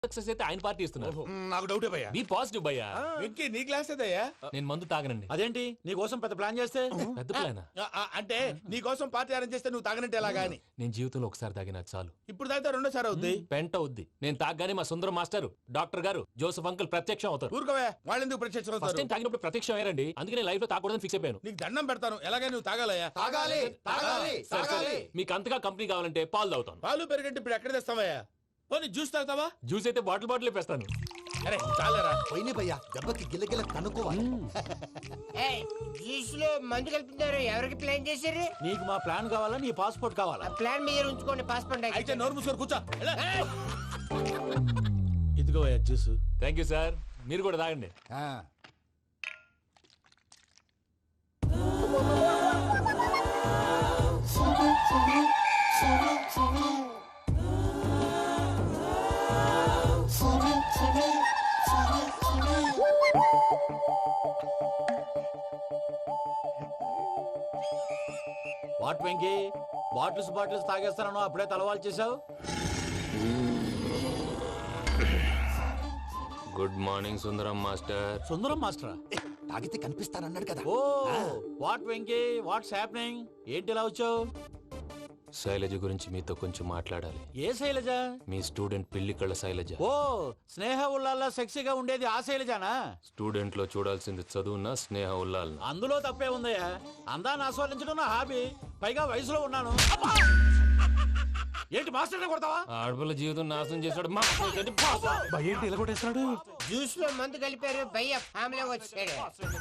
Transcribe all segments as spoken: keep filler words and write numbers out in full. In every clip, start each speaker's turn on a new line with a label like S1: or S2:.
S1: Success అయితే ఆయన party ఇస్తున్నారు.
S2: నాకు డౌటే భయ్యా.
S1: బీ పాజిటివ్ భయ్యా.
S2: వెంకీ నీ గ్లాస్ ఏదయ్యా?
S1: నేను మందు తాగనండి.
S3: అదేంటి నీ కోసం పెద్ద ప్లాన్ చేస్తే?
S1: పెద్ద ప్లాన్
S2: అంటే నీ కోసం పార్టీ అరేంజ్ చేస్తే నువ్వు తాగనంటే ఎలాగా అని.
S1: నేను జీవితంలో ఒకసారి తాగినా చాలు.
S2: ఇప్పుడు తాగితే రెండోసారి అవుద్ది.
S1: పెంట అవుద్ది. నేను తాగగానే మా సుందరం మాస్టర్, డాక్టర్ గారు, జోసెఫ్ అంకుల్ ప్రత్యక్షం అవుతారు.
S2: ఊరుకోవే, వాళ్ళు ఎందుకు ప్రత్యక్షం
S1: ఫస్ట్
S2: అవుతారు?
S1: టైం తాగినప్పుడు ప్రత్యక్షం అయ్యారండి. అందుకే నేను లైఫ్ లో తాగకూడదని ఫిక్స్ అయిపోయాను.
S2: నీకు దండం పెడతాను, ఎలాగైనా నువ్వు తాగాలయ్యా.
S3: తాగాలి తాగాలి
S1: సరే, సరే.
S3: తాగాలి.
S1: మీకు అంతగా కంపెనీ కావాలంటే పాలు తాగుతాను.
S2: పాలు పెరిగంటే ఇప్పుడు ఎక్కడ తెస్తావయ్యా? పోనీ జ్యూస్ తాగుతావా?
S1: జ్యూస్ అయితే బాటిల్ బాటిల్ వేస్తాను.
S2: అరే చాలరా.
S3: పోయిన భయ్యా దెబ్బకి గిల్లగిల్ల కనుక్కోవాలి.
S4: జ్యూస్ లో మందు కలుపుతున్నారు. ఎవరికి ప్లాన్ చేశారు?
S3: నీకు మా ప్లాన్ కావాలా, నీ పాస్పోర్ట్ కావాలా?
S4: ఆ ప్లాన్ మీద ఉంచుకోండి, పాస్పోర్ట్
S2: అయితే నోరు మూసుకొని కూర్చో. ఇదిగో జ్యూస్.
S1: Thank you sir. మీరు కూడా తాగండి.
S3: వాట్ వెంకీ, బాటిల్స్ బాటిల్స్ తాగేస్తాను అప్పుడే తలవాలు చేసావు.
S1: Good morning Sundaram master.
S3: Sundaram మాస్టరా?
S5: తాగితే కనిపిస్తానన్నాడు కదా.
S3: Oh what Venky, what's happening? ఏంటి ఇలా వచ్చావు?
S1: శైలజ గురించి మీతో కొంచెం మాట్లాడాలి.
S3: ఏ శైలజ?
S1: మీ స్టూడెంట్ పిల్లి కళ్ళ శైలజ.
S3: ఓ స్నేహ ఉల్లాల్లో సెక్సీగా ఉండేది ఆ శైలజానా?
S1: స్టూడెంట్ లో చూడాల్సింది చదువున స్నేహ ఉల్లాల్.
S3: అందులో తప్పే ఉందయ్యా. అందాన్ని ఆస్వాదించడం నా హాబీ. పైగా వయసులో ఉన్నాను. ఏంటి మాస్టర్ కొడతావా?
S1: ఆడపిల్ల జీవితం నాశనం చేశాడు.
S3: ఏంటి ఇలా కొట్టేస్తున్నాడు?
S4: జ్యూస్ లో మందు కలిపారు. భయ్య ఫ్యామిలీ వచ్చాడు.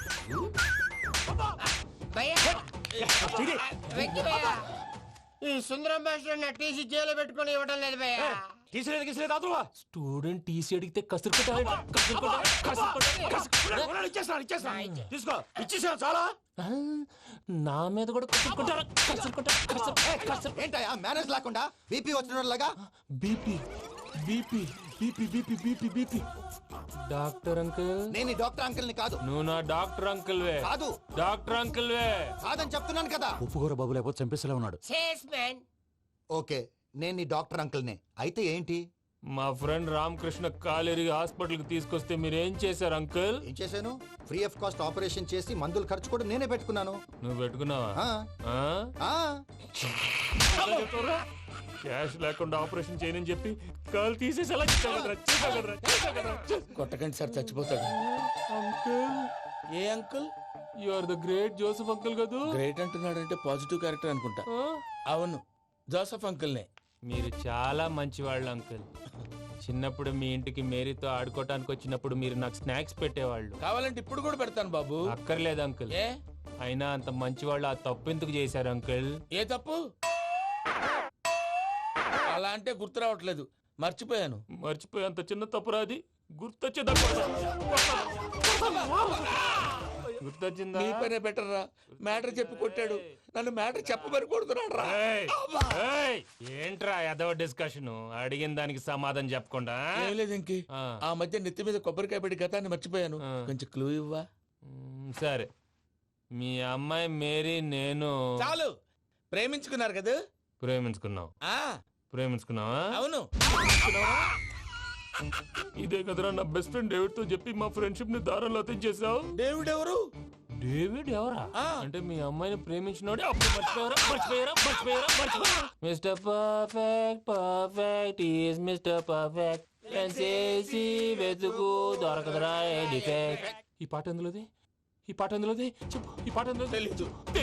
S4: భయ్య వెంకీ భయ్య, ఈ సుందరం మాస్టర్ నా టీసీ జైలు పెట్టుకొని ఇవ్వడం లేదు భయ్య.
S3: తీసిలేదు గీసిలేదు అదువా.
S1: స్టూడెంట్ టీసీ అడిగితే కసురు
S3: ఇచ్చేస్తాను ఇచ్చేస్తాను తీసుకో. ఇచ్చేసా చాలా.
S1: నా మీద కూడా కసురుకుంటారా?
S5: ఏంటయ్యా మేనేజ్ లేకుండా బీపీ వచ్చినలాగా?
S1: BP BP BP BP BP BP. Doctor uncle,
S5: నేను ఈ డాక్టర్ అంకుల్ ని కాదు.
S1: నువ్వు నా డాక్టర్ అంకుల్ వే.
S5: కాదు
S1: డాక్టర్ అంకుల్ వే.
S5: కాదని చెప్తున్నాను కదా.
S3: ఉప్పుకూర బాబు లేకపోతే చంపేసేలా ఉన్నాడు.
S4: Sales man.
S5: ఓకే నేను ఈ డాక్టర్ అంకుల్ నే. అయితే ఏంటి?
S1: మా ఫ్రెండ్ రామకృష్ణ కాలేరికి హాస్పిటల్ కి తీసుకొస్తే మీరేం చేశారు అంకుల్?
S5: ఏం చేశాను? ఫ్రీ ఆఫ్ కాస్ట్ ఆపరేషన్ చేసి మందులు ఖర్చు కూడా నేనే పెట్టుకున్నాను.
S1: నువ్వు పెట్టుకున్నావా?
S5: ఆ,
S1: ఆ?
S5: ఆ.
S1: క్యాష్ లేకుండా ఆపరేషన్ చేయనని చెప్పి కాల్ తీసేసి ఎలా
S2: కొట్టకండి సార్, చచ్చిపోతాడు.
S1: అంకుల్,
S2: ఏ uncle?
S1: You are the great Joseph uncle కదా?
S2: గ్రేట్ అంటున్నాడు అంటే పాజిటివ్ క్యారెక్టర్ అనుకుంటా. అవును, జోసఫ్ అంకుల్నే.
S1: మీరు చాలా మంచివాళ్ళు అంకుల్. చిన్నప్పుడు మీ ఇంటికి మేరీతో ఆడుకోవటానికి వచ్చినప్పుడు మీరు నాకు స్నాక్స్ పెట్టేవాళ్ళు.
S2: కావాలంటే ఇప్పుడు కూడా పెడతాను బాబు.
S1: అక్కర్లేదు అంకుల్.
S2: ఏ
S1: అయినా అంత మంచివాళ్ళు ఆ తప్పు ఎందుకు చేశారు అంకుల్?
S2: ఏ తప్పు? అలా అంటే గుర్తు రావట్లేదు, మర్చిపోయాను.
S1: మర్చిపోయి అంత చిన్న తప్పురాది గుర్తొచ్చే గుర్తొచ్చిందా?
S2: నీ పనే బెటర్ రా. మ్యాటర్ చెప్పి కొట్టాడు, నన్ను మ్యాటర్ చెప్పమని కొడుతున్నాడు రా.
S1: ఏయ్, ఏంట్రా ఎదవ డిస్కషన్? అడిగిన దానికి సమాధానం చెప్పకుండా.
S2: ఏం లేదు ఇంకి,
S1: ఆ.
S2: ఆ మధ్య నెత్తి మీద కొబ్బరికాయ పెట్టి గతాన్ని మర్చిపోయాను.
S1: ఆ.
S2: కొంచెం క్లూ ఇవ్వా?
S1: మ్, సరే. మీ అమ్మాయి మేరీ నేను
S2: చాలు, ప్రేమించుకున్నారు కదా?
S1: ప్రేమించుకున్నావు.
S2: ఆ
S1: ప్రేమించుకున్నావా?
S2: అవును.
S1: ఇదే కదరా నా బెస్ట్ ఫ్రెండ్ డేవిడ్ తో చెప్పి మా ఫ్రెండ్షిప్ ని దారంలో తెచ్చేసావు.
S2: డేవిడ్ ఎవరు?
S1: డేవిడ్ ఎవరా?
S2: ఆ.
S1: అంటే మీ అమ్మాయిని ప్రేమించినోడే అప్పుడు మర్చిపోయారా? మర్చిపోయారా? మర్చిపోయారా? మర్చిపోయారా? Mister perfect perfect is mister perfect చేసి వెతుకు దొరకదురా డిఫెక్ట్. ఈ పాట ఎందులోది? ఈ పాట ఎందులోది? చెప్పు. ఈ పాట ఎందులో?
S2: తెలీదు.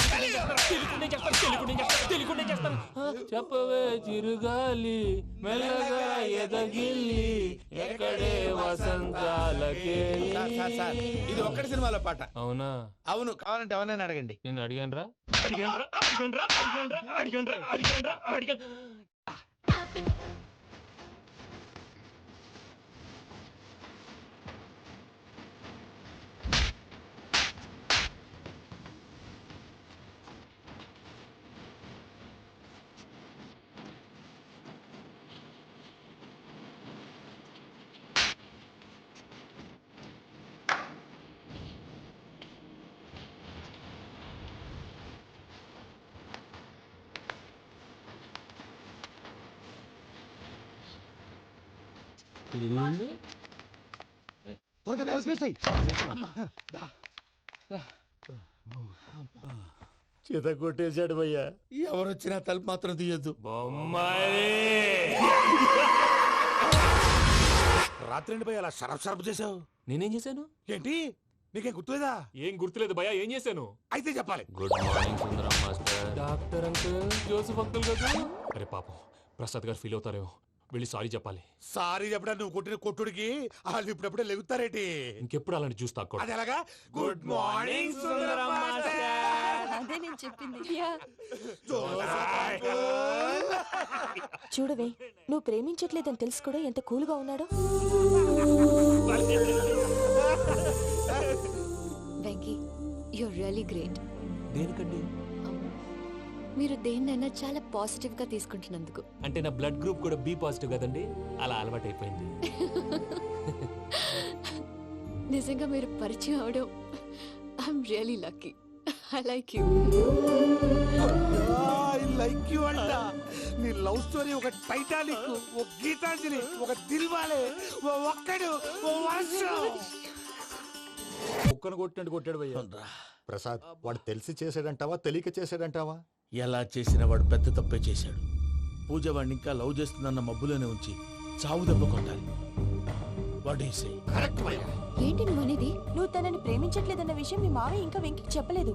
S1: చెప్పవే చిరుగాలి మెల్లగా ఎదగిల్లి ఎక్కడే వసంతాలకే.
S2: ఇది ఒక్కటి సినిమాలో పాట.
S1: అవునా?
S2: అవును, కావాలంటే ఎవరైనా అడగండి.
S1: నేను అడిగాను రా.
S3: చేత కొట్టేశాడు భయ్యా.
S2: ఎవరొచ్చినా తలుపు మాత్రం తీయద్దు.
S1: బొమ్మాయి
S2: రాత్రి భయ్య అలా షరఫ్ షరఫ్ చేసావు
S1: నేనేం చేశాను?
S2: ఏంటి? నీకేం గుర్తులేదా?
S6: ఏం గుర్తులేదు భయ్యా, ఏం చేశాను?
S2: అయితే చెప్పాలి.
S1: Good morning Sundaram master. Doctor uncle, Joseph uncle కదా?
S6: అరే పాపం, ప్రసాద్ గారు ఫీల్ అవుతారేమో, వెళ్ళి సారీ చెప్పాలి.
S2: సారీ చెప్పడా నువ్వు కొట్టిన కొట్టుడికి వాళ్ళు ఇప్పుడప్పుడే లెగుతారేటి?
S6: ఇంకెప్పుడు అలాంటి జ్యూస్ తాక్కూడదు.
S2: అది ఎలాగా? Good morning Sundaram master.
S7: అదే నేను చెప్పింది. చూడవే, నువ్వు ప్రేమించట్లేదని తెలుసు కూడా ఎంత కూల్గా ఉన్నాడో. Venky, you're really great.
S1: దేనికండి?
S7: మీరు దేన్నైనా చాలా పాజిటివ్ గా తీసుకుంటున్నందుకు.
S1: అంటే నా బ్లడ్ గ్రూప్ కూడా బి పాజిటివ్ కదండి, అలా అలవాటు అయిపోయింది.
S7: నిజంగా మీరు పరిచయం అవడం I'm really lucky. I like you.
S2: I like you అంట. నీ లవ్ స్టోరీ ఒక టైటానిక్, ఒక గీతాంజలి, ఒక దిల్వాలే, ఓ ఒక్కడు, ఓ వర్షం.
S3: కుక్కను కొట్టినట్టు కొట్టాడు భయ్యా.
S5: ప్రసాద్, వాడు తెలిసి చేసాడంటావా తెలియక చేసాడంటావా?
S2: ఎలా చేసిన వాడు పెద్ద తప్పే చేశాడు. పూజ వాడిని ఇంకా లవ్ చేస్తుందన్న మబ్బులోనే ఉంచి చావు దెబ్బ కొట్టాలి. వాడేసే
S7: ఏంటి నువ్వు అనేది? నువ్వు తనని ప్రేమించట్లేదన్న విషయం మీ మావయ్య ఇంకా వెంకీకి చెప్పలేదు.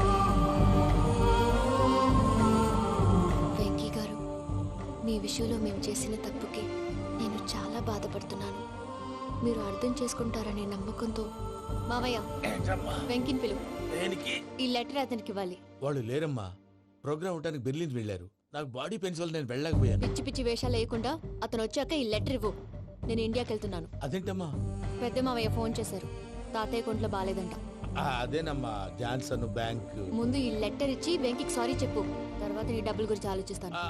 S7: వెంకీ గారు, మీ విషయంలో మేము చేసిన తప్పుకి నేను చాలా బాధపడుతున్నాను. మీరు అర్థం చేసుకుంటారనే నమ్మకంతో మావయ్య వెంకిని పిలువు. ఈ లెటర్ అతనికి ఇవ్వాలి.
S2: వాళ్ళు లేరమ్మా, ప్రోగ్రామ్ ఉండడానికి బెర్లిన్ వెళ్ళారు. నాకు బాడీ పెయిన్స్ వల్ల నేను వెళ్ళలేకపోయాను.
S7: పిచ్చి పిచ్చి వేషాలు వేయకుండా అతను వచ్చాక ఈ లెటర్ ఇవ్వు. నేను ఇండియాకి వెళ్తున్నాను.
S2: అదేంటమ్మా?
S7: పెద్ద మావయ్య ఫోన్ చేశారు, తాతయ్య కొంట్లో బాలేదంట.
S2: ఆ, అదేనమ్మా, జాన్సన్ బ్యాంక్.
S7: ముందు ఈ లెటర్ ఇచ్చి వెంకికి సారీ చెప్పు, తర్వాత నీ డబ్బుల గురించి ఆలోచిస్తాను.
S2: ఆ,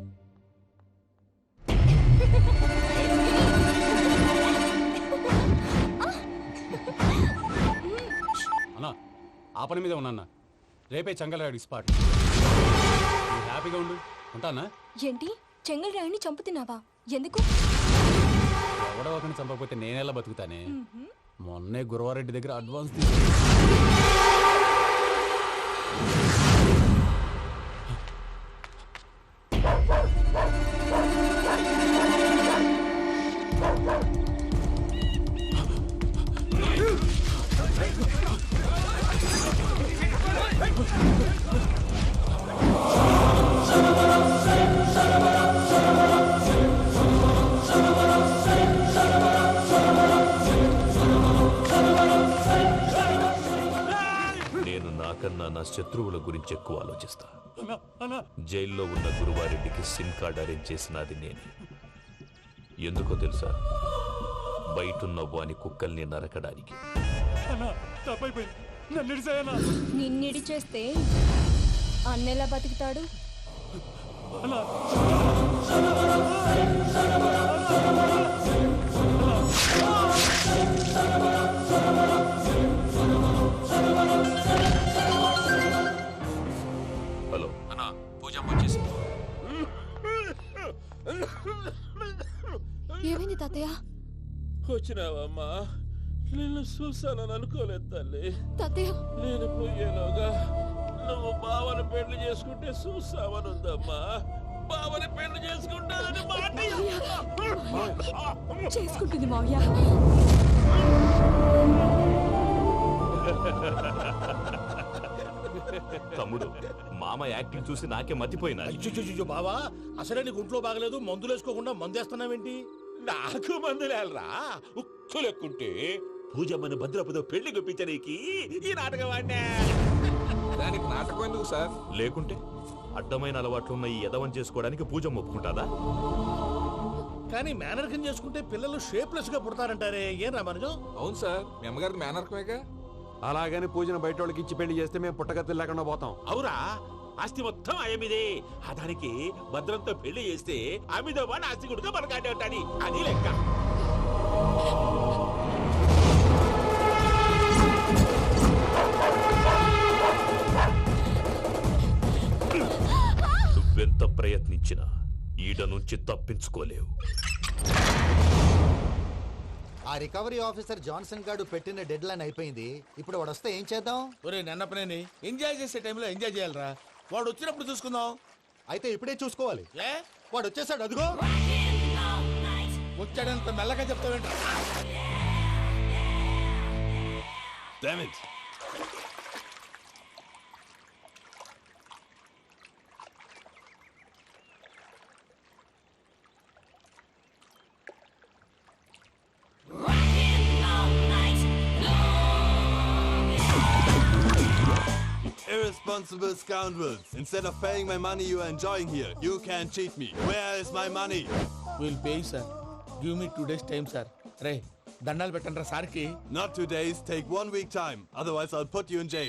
S6: అన్నా, ఆ పని మీద ఉన్నా, రేపే చంగలరాడు స్పాట్. హ్యాపీగా ఉండు, ఉంటానా?
S7: ఏంటి, చెంగల్ రాయుడిని చంపుతున్నావా? ఎందుకు?
S6: ఎవడో ఒకరిని చంపకపోతే నేనెలా బతుకుతానే? మొన్నే గురవారెడ్డి దగ్గర అడ్వాన్స్
S8: కన్నా నా శత్రువుల గురించి ఎక్కువ ఆలోచిస్తా. జైల్లో ఉన్న గురువారెడ్డికి సిమ్ కార్డ్ అరేంజ్ చేసినది నేనే. ఎందుకో తెలుసా? బయటున్న వాని కుక్కల్ని నరకడానికి.
S7: నిన్నిడి చేస్తే అన్నెలా బతుకుతాడు?
S8: హలో అన్నా, పూజ వచ్చేసింది.
S7: ఏమైంది తాతయ్య?
S1: వచ్చినావమ్మా, నిన్ను చూసానని అనుకోలేదు తల్లి.
S7: తాతయ్య,
S1: నేను పోయేలోగా నువ్వు బావని పెళ్లి చేసుకుంటే చూసావని ఉందమ్మా. బావని పెళ్లి చేసుకుంటానని మాట
S7: చేసుకుంటుంది మావయ్య.
S8: తమ్ముడు, మామ యాక్టింగ్ చూసి నాకే మతిపోయినా.
S3: అయ్యో బావా, అసలే నీకు ఒంట్లో బాగలేదు, మందులు వేసుకోకుండా మందు వేస్తున్నావేంటి?
S2: నాకు మందులేరా ఉక్కు లెక్కుంటే పూజమ్మని భద్రపదో పెళ్లి గుప్పించడానికి ఈ నాటకం ఆడినా.
S9: దానికి నాటకం ఎందుకు సార్?
S8: లేకుంటే అడ్డమైన అలవాట్లున్న ఈ యదవం చేసుకోవడానికి పూజ ఒప్పుకుంటాదా?
S3: కానీ మేనర్కం చేసుకుంటే పిల్లలు షేప్లెస్ గా పుడతారంటారే, ఏం రామానుజం?
S9: అవును సార్, మీ అమ్మగారికి మేనర్కమేగా.
S6: అలాగని పూజను బయట వాళ్ళకి ఇచ్చి పెళ్లి చేస్తే మేము పుట్టగతి లేకుండా పోతాం.
S2: అవురా, ఆస్తి మొత్తం ఆయమిదే. ఆ దానికి భద్రంతో పెళ్లి చేస్తే ఆమెతో పాటు ఆస్తి గుడిగా మనకాడే ఉంటాని, అది లెక్క.
S8: నువ్వెంత ప్రయత్నించినా ఈడ నుంచి తప్పించుకోలేవు.
S5: రికవరీ ఆఫీసర్ జాన్సన్ గారు పెట్టిన డెడ్ లైన్ అయిపోయింది. ఇప్పుడు వాడు వస్తే ఏం చేద్దాం?
S2: ఒరే నన్నపనేని ఎంజాయ్ చేసే టైంలో ఎంజాయ్ చేయాలరా. వాడు వచ్చినప్పుడు చూసుకుందాం.
S5: అయితే ఇప్పుడే చూసుకోవాలి.
S2: ఏ
S5: వాడు వచ్చేసాడు, అదిగో.
S2: వచ్చాడంత మెల్లగా చెప్తావేంట?
S8: Damn it.
S10: Irresponsible scoundrels. Instead of paying my money you are enjoying here, you can cheat me. Where is my money?
S2: Will pay sir. Give me two days time sir. రే దండాలు పెట్టండి రా సార్కి.
S10: Not two days, take one week time. Otherwise I'll put you in jail.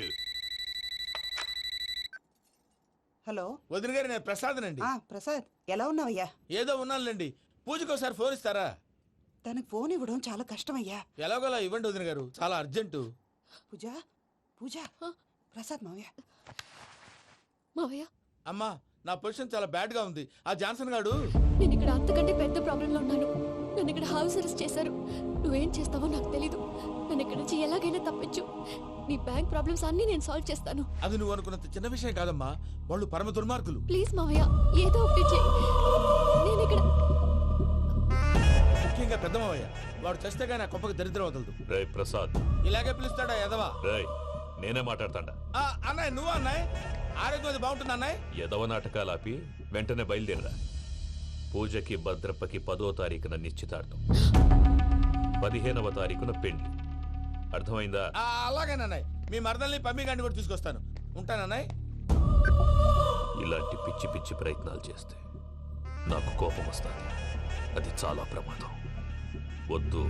S11: Hello
S2: వదిన గారు, నేను ప్రసాదనండి.
S11: ఆ ప్రసాద్ ఎలా ఉన్నావయ్యా?
S2: ఏదో ఉన్నానులేండి. పూజకి ఒకసారి ఫోన్ ఇస్తారా?
S11: తనకు ఫోన్ ఇవ్వడం చాలా కష్టమయ్యా.
S2: ఎలాగోలా ఇవ్వండి వదిన గారు, చాలా అర్జెంటు.
S11: పూజ పూజ ప్రసాద్ మావయ్య.
S7: మావయ్య,
S2: అమ్మా నా పొజిషన్ చాలా బ్యాడ్ గా ఉంది. ఆ జాన్సన్ గాడు
S7: నేను ఇక్కడ అంతకంటే పెద్ద ప్రాబ్లంలో ఉన్నాను. నన్ను ఇక్కడ హౌస్ అరెస్ట్ చేశారు. నువ్వేం చేస్తావో నాకు తెలీదు. నన్ను ఇక్కడ నుంచి ఎలాగైనా తప్పించు. నీ బ్యాంక్ ప్రాబ్లమ్స్ అన్నీ నేను సాల్వ్ చేస్తాను.
S2: అది నువ్వు అనుకున్నంత చిన్న విషయం కాదమ్మా. వాళ్ళు పరమ దుర్మార్గులు.
S7: ప్లీజ్ మావయ్య, ఏదో ఒకటి చెయ్యి. నేను ఇక్కడ
S2: ముఖ్యంగా పెద్దమవయ్య, వాడు చస్తే కానీ ఆ కుప్పకి దరిద్రం వదలదు.
S8: రే ప్రసాద్.
S2: ఇలాగే పిలుస్తాడా ఎదవా?
S8: రే నేనే మాట్లాడతాడా?
S2: ఆ, అన్నయ్య నువ్వు అన్నయ్య. ఆరోగ్యం అది బాగుంటుంది అన్నయ్య.
S8: ఎదవ నాటకాలు ఆపి వెంటనే బయలుదేరరా. పూజకి భద్రప్పకి పదో తారీఖున నిశ్చితార్థం, పదిహేనవ తారీఖున పెళ్లి. అర్థమైందా?
S2: ఆ, అలాగేనన్నయ్య. మీ మరదల్ని పమ్మి గండి కూడా తీసుకొస్తాను. ఉంటానన్నయ్య.
S8: ఇలాంటి పిచ్చి పిచ్చి ప్రయత్నాలు చేస్తే నాకు కోపం వస్తుంది. అది చాలా ప్రమాదం. వద్దు.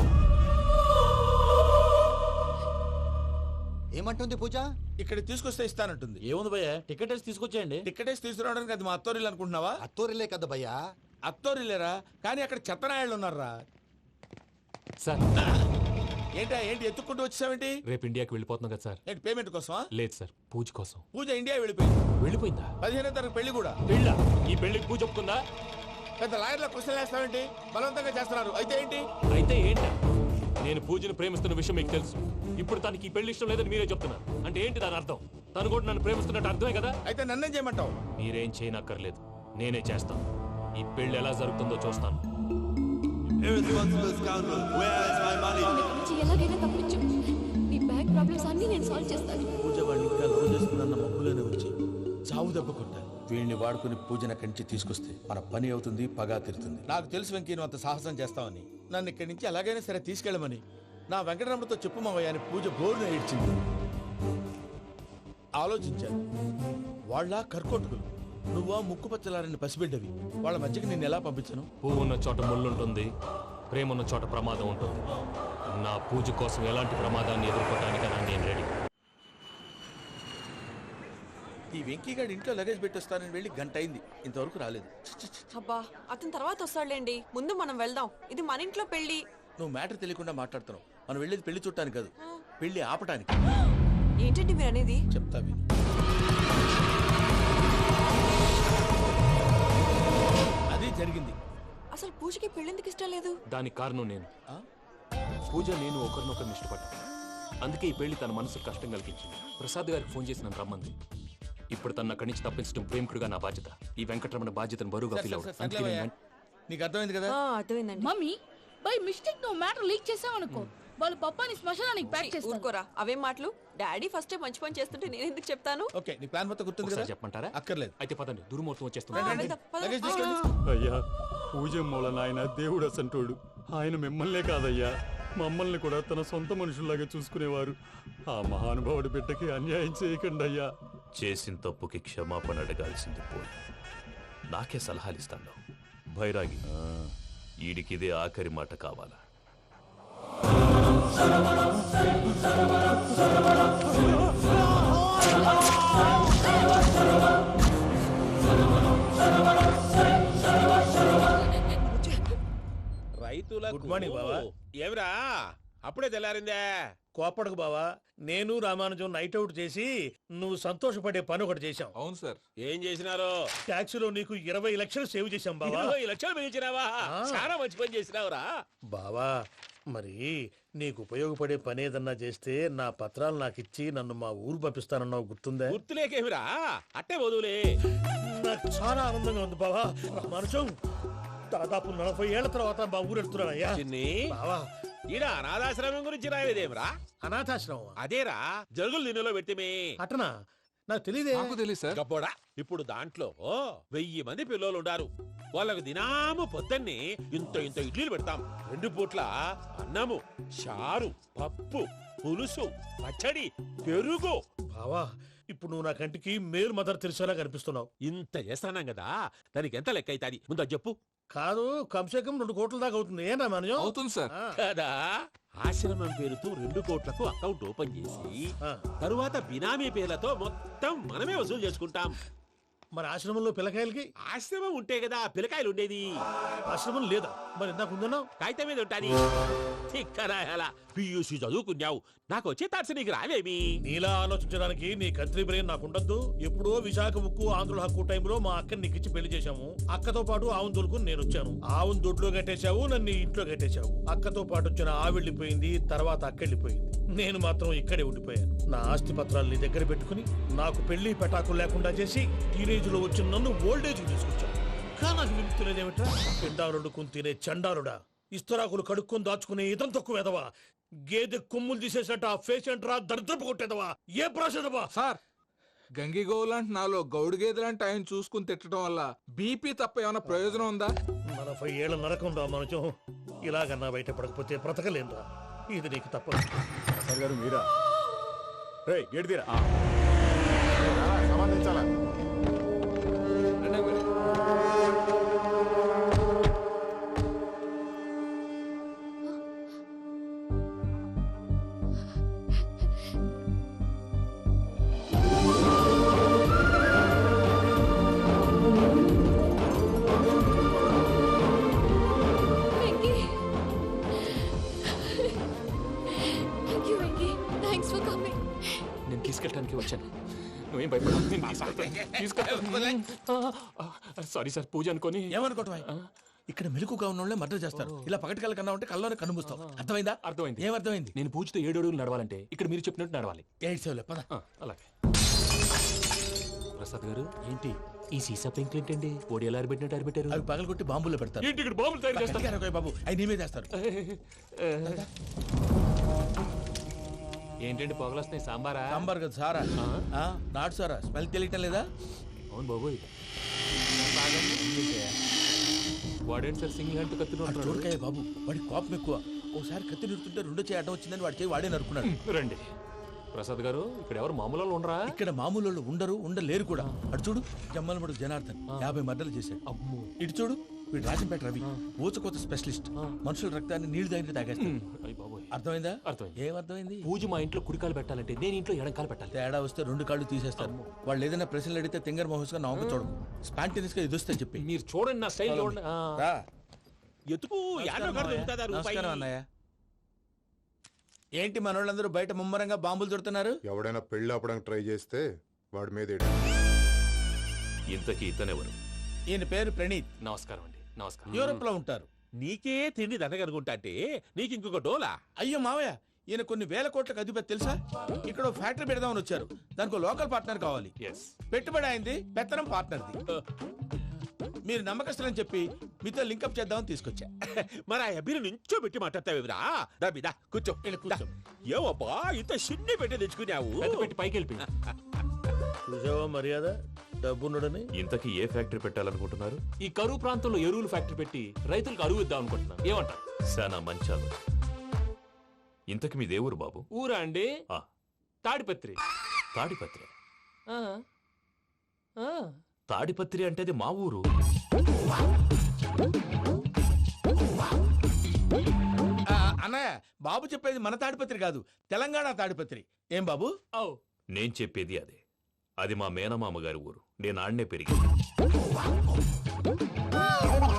S5: ఏమంటుంది పూజ?
S2: ఇక్కడ తీసుకొస్తే ఇస్తానంటుంది.
S3: ఏముంది భయ్యా, టికెట్ వేసి తీసుకొచ్చేయండి.
S2: టికెటేసి తీసుకురావడానికి అది మా అత్తోరిల్లు అనుకుంటున్నావా?
S5: అత్తూరిలే కదా భయ్యా.
S2: అత్తోరిల్లేరా, కానీ అక్కడ చెత్తనాయాళ్ళు ఉన్నారా.
S1: సార్
S2: ఏంటా ఏంటి ఎత్తుక్కుంటూ వచ్చావేంటి?
S1: రేపు ఇండియాకి వెళ్ళిపోతున్నాం కదా సార్.
S2: ఏంటి పేమెంట్ కోసమా?
S1: లేదు సార్, పూజ కోసం.
S2: పూజ ఇండియా వెళ్ళిపోయింది.
S1: వెళ్ళిపోయిందా?
S2: పదిహేనో తారీఖు పెళ్లి కూడా.
S1: పెళ్ళా? ఈ పెళ్లికి పూజ ఒప్పుకుందా?
S2: పెద్ద లాయర్ల క్వశ్చన్ వేస్తావేంటి? బలవంతంగా చేస్తున్నారు. అయితే ఏంటి?
S1: అయితే ఏంటా? నేను పూజను ప్రేమిస్తున్న విషయం మీకు తెలుసు. ఇప్పుడు తనకి ఈ పెళ్లి ఇష్టం లేదని మీరే చెప్తున్నారు. అంటే ఏంటి దాని అర్థం? తను కూడా నన్ను ప్రేమిస్తున్నట్టు అర్థమే కదా.
S2: అయితే నన్నేం చేయమంటావు?
S1: మీరేం చేయనక్కర్లేదు, నేనే చేస్తాను. ఈ పెళ్లి ఎలా జరుగుతుందో చూస్తాను.
S10: Irresponsible scoundrel. Where is my money?
S7: నన్ను ఇక్కడ నుంచి ఎలాగైనా తప్పించు. నీ బ్యాంక్ ప్రాబ్లమ్స్ అన్నీ నేను సాల్వ్ చేస్తాను.
S2: పూజ వాడిని ఇంకా లవ్ చేస్తుందన్న మబ్బులోనే ఉంచి చావు దెబ్బ కొట్టాలి. వీడిని వాడుకుని పూజన కంచి తీసుకొస్తే మన పని అవుతుంది, పగా తీరుతుంది. నాకు తెలుసు వెంకీ నువ్వు అంత సాహసం చేస్తావని. నన్ను ఇక్కడి నుంచి ఎలాగైనా సరే తీసుకెళ్ళమని నా వెంకటరమణతో చెప్పు మావయ్య అని పూజ బోరున ఏడ్చింది. ఆలోచించాను. వాళ్ళ కర్కోటకులు, నువ్వా ముక్కు పచ్చలారని పసిబిడ్డవి. వాళ్ళ మధ్యకి నేను ఎలా పంపించను?
S1: పువ్వు ఉన్న చోట ముళ్ళుంటుంది, ప్రేమ ఉన్న చోట ప్రమాదం ఉంటుంది. నా పూజ కోసం ఎలాంటి ప్రమాదాన్ని ఎదుర్కోవడానికైనా నేను రెడీ.
S2: ఈ వెంకీగాడి ఇంట్లో లగేజ్ పెట్టొస్తానని వెళ్ళి గంట అయింది, ఇంతవరకు రాలేదు.
S12: అబ్బా అతని తర్వాత వస్తాడులేండి, ముందు మనం వెళ్దాం. ఇది మన ఇంట్లో పెళ్లి.
S2: నువ్వు మ్యాటర్ తెలియకుండా మాట్లాడుతున్నావు. మనం వెళ్ళేది పెళ్లి చుట్టానికి కాదు, పెళ్లి ఆపటానికి.
S12: ఏంటండి మీరు అనేది?
S2: చెప్తా విను. అది జరిగింది.
S12: అసలు పూజకి పెళ్ళెందుకు ఇష్టం లేదు?
S1: దానికి కారణం నేను. పూజ నేను ఒకరినొకరిని ఇష్టపడ్డా. అందుకే ఈ పెళ్లి తన మనసుకు కష్టం కలిగించింది. ప్రసాద్ గారికి ఫోన్ చేసి నన్ను రమ్మంది. ఇప్పుడు తన అక్కడి నుంచి తప్పించడం ప్రేమికుడుగా నా బాధ్యత. ఈ వెంకటరమణ బాధ్యతను బరువుగా ఫీల్ అవుతుంది.
S2: నీకు అర్థమైంది కదా?
S12: అర్థమైందండి.
S13: మమ్మీ బై మిస్టేక్ నువ్వు మ్యాటర్ లీక్ చేసావనుకో, వాళ్ళు పప్పాని శ్మశానానికి ప్యాక్ చేస్తారు.
S12: ఊరుకోరా, అవేం మాటలు. డాడీ ఫస్ట్ మంచి పని చేస్తుంటే నేను ఎందుకు చెప్తాను?
S2: ఓకే, నీ ప్లాన్ మొత్తం గుర్తుంది కదా?
S1: చెప్పమంటారా?
S2: అక్కర్లేదు.
S1: అయితే పదండి, దుర్ముహూర్తం
S12: ఆ,
S1: వచ్చేస్తుంది.
S12: వెళ్దాం, పద.
S2: లగేజ్ తీసుకోండి.
S6: అయ్యా పూజ మూలన ఆయన దేవుడు అసంటోడు. ఆయన మిమ్మల్నే కాదయ్యా, మమ్మల్ని కూడా తన సొంత మనుషుల్లాగా చూసుకునేవారు. ఆ మహానుభావుడి బిడ్డకి అన్యాయం చేయకండి అయ్యా.
S8: చేసిన తప్పుకి క్షమాపణ అడగాల్సింది పోయి నాకే సలహాలు ఇస్తాను. భైరాగి, ఈడికిదే ఆఖరి మాట కావాలా?
S3: రైతుల గుడ్ మార్నింగ్ బావా.
S4: ఏమిరా అప్పుడే తెల్లారిందే?
S3: కోపడకు బావా, నేను రామానుజం నైట్ అవుట్ చేసి నువ్వు సంతోషపడే పని ఒకటి చేశాం.
S9: అవును సార్.
S4: ఏం చేసినారు?
S3: ట్యాక్సీలో నీకు ఇరవై లక్షలు సేవ్ చేశాం బావా.
S4: ఇరవై లక్షలు మిగిల్చినావా? చాలా మంచి పని చేసినావురా
S3: బావా. మరి నీకు ఉపయోగపడే పని ఏదన్నా చేస్తే నా పత్రాలు నాకు ఇచ్చి నన్ను మా ఊరు పంపిస్తానన్నావు, గుర్తుందా?
S14: గుర్తులేకేమిరా, అట్టే వదులే.
S3: నాకు చాలా ఆనందంగా ఉంది బావా. మనుషం దాదాపు నలభై ఏళ్ల తర్వాత మా ఊరు వెళ్తున్నానయ్యా. బావా,
S14: ఈడ అనాథాశ్రమం గురించి రావేదేమిరా?
S3: అనాథాశ్రమం
S14: అదేరా, జరుగులు దీనిలో పెట్టిమే.
S3: అటనా? నాకు తెలియదే.
S9: నాకు తెలియదు సార్.
S14: గబ్బోడా, ఇప్పుడు దాంట్లో వెయ్యి మంది పిల్లలు ఉండారు. వాళ్ళకు దినాము పొద్దున్నే ఇంత ఇంత ఇడ్లీలు పెడతాం. రెండు పూట్ల అన్నము, చారు, పప్పు, పులుసు, పచ్చడి, పెరుగు.
S3: బావా, ఇప్పుడు నువ్వు నా కంటికి మేలు మదర్ తెలిసేలా కనిపిస్తున్నావు.
S14: ఇంత చేస్తానం కదా, దానికి ఎంత లెక్క అవుతుంది ముందు అది చెప్పు.
S3: కాదు, కంసే కం రెండు కోట్ల దాకా అవుతుంది. ఏనా మనజం?
S9: అవుతుంది సార్.
S14: కదా, ఆశ్రమం పేరుతో రెండు కోట్లకు అకౌంట్ ఓపెన్ చేసి తరువాత బినామీ పేర్లతో మొత్తం మనమే వసూలు చేసుకుంటాం.
S3: మరి ఆశ్రమంలో పిల్లకాయలకి?
S14: ఆశ్రమం ఉంటే కదా పిల్లకాయలు ఉండేది.
S3: ఆశ్రమం లేదా? మరి ఇందాక ఉందన్నావు.
S14: కాగితం మీద ఉంటాది. పియూసీ చదువుకున్నావు, నాకు వచ్చే తాట్స్ నీకు రావేమి?
S3: నీలా ఆలోచించడానికి నీ కత్రి బ్రెయిన్ నాకు ఉండద్దు. ఎప్పుడో విశాఖ ఉక్కు ఆంధ్రుల హక్కు టైంలో మా అక్కని నీకిచ్చి పెళ్లి చేశాము. అక్కతో పాటు ఆవును దొడుకుని నేను వచ్చాను. ఆవును దొడ్లో కట్టేశావు, నన్ను ఇంట్లో కట్టేశావు. అక్కతో పాటు వచ్చిన ఆవిళ్ళిపోయింది, తర్వాత అక్కెళ్ళిపోయింది. నేను మాత్రం ఇక్కడే ఉండిపోయాను. నా ఆస్తి పత్రాలు నీ దగ్గర పెట్టుకుని నాకు పెళ్లి పెటాకులు లేకుండా చేసి టీనేజ్ లో వచ్చిన నన్ను ఓల్డేజ్ తీసుకొచ్చాను. కానీ నాకు విముక్తులేదేమిట్రా? పిండారుడుకుని తినే చండారుడా, ఇస్తరాకులు కడుక్కొని దాచుకునే ఇతం తక్కువ ఎదవా, గేదె కొమ్ములు తీసేసట ఆ పేషెంట్ రా దరిద్రపు కొట్టేదవా, ఏ ప్రాసెదవా?
S9: సార్, గంగి గోవులాంటి నాలో గౌడు గేదెలాంటి ఆయన చూసుకుని తిట్టడం వల్ల బీపీ తప్ప ఏమైనా ప్రయోజనం ఉందా?
S3: నలభై ఏళ్ళ నరకం రా మనచం. ఇలాగన్నా బయట పడకపోతే బ్రతకలేనురా. ఇది నీకు తప్పదు.
S6: సార్ గారు మీరా? రే గేట్ తీరా.
S9: సంబంధించాలా?
S1: నేను తీసుకెళ్ళడానికి వచ్చాను. నువ్వేం భయపడ. సారీ సార్, పూజ అనుకోని.
S2: ఏమనుకోవటం? ఇక్కడ మెలుకుగా ఉన్న వాళ్ళే మర్డర్ చేస్తారు. ఇలా పగటి కళ్ళ కన్నా ఉంటే కళ్ళలోనే కనుమూస్తావు. అర్థమైందా?
S1: అర్థమైంది.
S2: ఏమర్థమైంది?
S1: నేను పూజతో ఏడు అడుగులు నడవాలంటే ఇక్కడ మీరు చెప్పినట్టు నడవాలి.
S2: ఎయిట్ సెవెన్ పద.
S1: అలాగే. ప్రసాద్ గారు, ఏంటి ఈ సీసా పెంకులు ఏంటండి? పొడి ఎలా అరబెట్టినట్టు అరబెట్టారు?
S2: అవి పగలు కొట్టి బాంబుల్లో పెడతారు.
S1: ఏంటి ఇక్కడ బాంబులు తయారు చేస్తారు?
S2: బాబు, అవి నేమే చేస్తారు.
S1: ఏంటండి పొగలొస్తున్నాయి? సాంబారా?
S2: సాంబార్ కదా సారా. నాటు సారా. స్మెల్ తెలియటం లేదా?
S1: అవును బాబోయ్. వాడేంటి సార్ సింగిల్ హ్యాండ్ కత్తి
S2: చూడకాయ బాబు, వాడి కోపం ఎక్కువ. ఓసారి కత్తి నిరుతుంటే రెండో చేయి అడ్డం వచ్చిందని వాడి చేయి వాడే నరుకున్నాడు.
S1: రండి ప్రసాద్ గారు, ఇక్కడ ఎవరు మామూలు వాళ్ళు ఉండరా?
S2: ఇక్కడ మామూలు వాళ్ళు ఉండరు, ఉండలేరు కూడా. అటు చూడు, జమ్మలమడు జనార్దన్ యాభై మర్డర్లు చేశాడు. ఇటు చూడు, వీడు రాజంపేట రవి ఊచకోత స్పెషలిస్ట్. మనుషుల రక్తాన్ని నీళ్లు దగ్గర తాగేస్తాడు. అర్థమైందా?
S1: అర్థమైంది.
S2: ఏమర్థమైంది?
S1: పూజ మా ఇంట్లో కుడికాలు పెట్టాలంటే నేను ఇంట్లో ఎడంకాలు పెట్టాలి.
S2: తేడా వస్తే రెండు కాళ్ళు తీసేస్తారు. వాళ్ళు ఏదైనా ప్రశ్నలు అడిగితే తింగర్ మహోస్ గా నవ్వు చూడకు. స్పాంటినియస్ గా ఎదుస్తా చెప్పి.
S1: మీరు చూడండి, నా స్టైల్ చూడండి.
S14: ఎత్తుకు
S2: నమస్కారం అన్నయ్య. ఏంటి మనోళ్ళందరూ బయట ముమ్మరంగా బాంబులు దొరుకుతున్నారు?
S15: ఎవడైనా పెళ్లి ఆపడానికి ట్రై చేస్తే వాడి మీద.
S8: ఇంతకీ ఇతనెవరు?
S2: ఈయన పేరు ప్రణీత్.
S1: నమస్కారం అండి. నమస్కారం.
S2: యూరోప్ లో ఉంటారు.
S14: నీకే తిండి దండగనుకుంటా అంటే నీకు ఇంకొక డోలా?
S2: అయ్యో మావయ్య, ఈయన కొన్ని వేల కోట్లకు అధిపతి తెలుసా? ఇక్కడ ఫ్యాక్టరీ పెడదామని వచ్చారు. దానికి లోకల్ పార్ట్నర్ కావాలి. పెట్టుబడి అయింది, పెత్తనం పార్ట్నర్ది. మీరు నమ్మకస్తులని చెప్పి మీతో లింకప్ చేద్దామని తీసుకొచ్చా.
S14: మరి ఆ అబ్బిని నుంచో పెట్టి మాట్లాడతావేమిరా? దాబిదా కూర్చో. ఏవబ్బా ఇంత సిన్ని పెట్టి తెచ్చుకున్నావు?
S1: పెట్టి పైకి వెళ్ళి
S3: చూసావా మర్యాద డబ్బున్నడని.
S8: ఇంతకీ ఏ ఫ్యాక్టరీ పెట్టాలనుకుంటున్నారు?
S1: ఈ కరువు ప్రాంతంలో ఎరువులు ఫ్యాక్టరీ పెట్టి రైతులకు అరువు ఇద్దాం అనుకుంటున్నాను. ఏమంటారు?
S8: శానా మంచాలు. ఇంతకి మీ దేవురు బాబు?
S1: ఊరా అండి? తాడిపత్రి.
S8: తాడిపత్రి? తాడిపత్రి అంటే అది మా ఊరు.
S2: అన్నయ్య, బాబు చెప్పేది మన తాడిపత్రి కాదు, తెలంగాణ తాడిపత్రి. ఏం బాబు?
S8: నేను చెప్పేది అదే. అది మా మేనమామ గారి ఊరు. నేను ఆడనే పెరిగింది.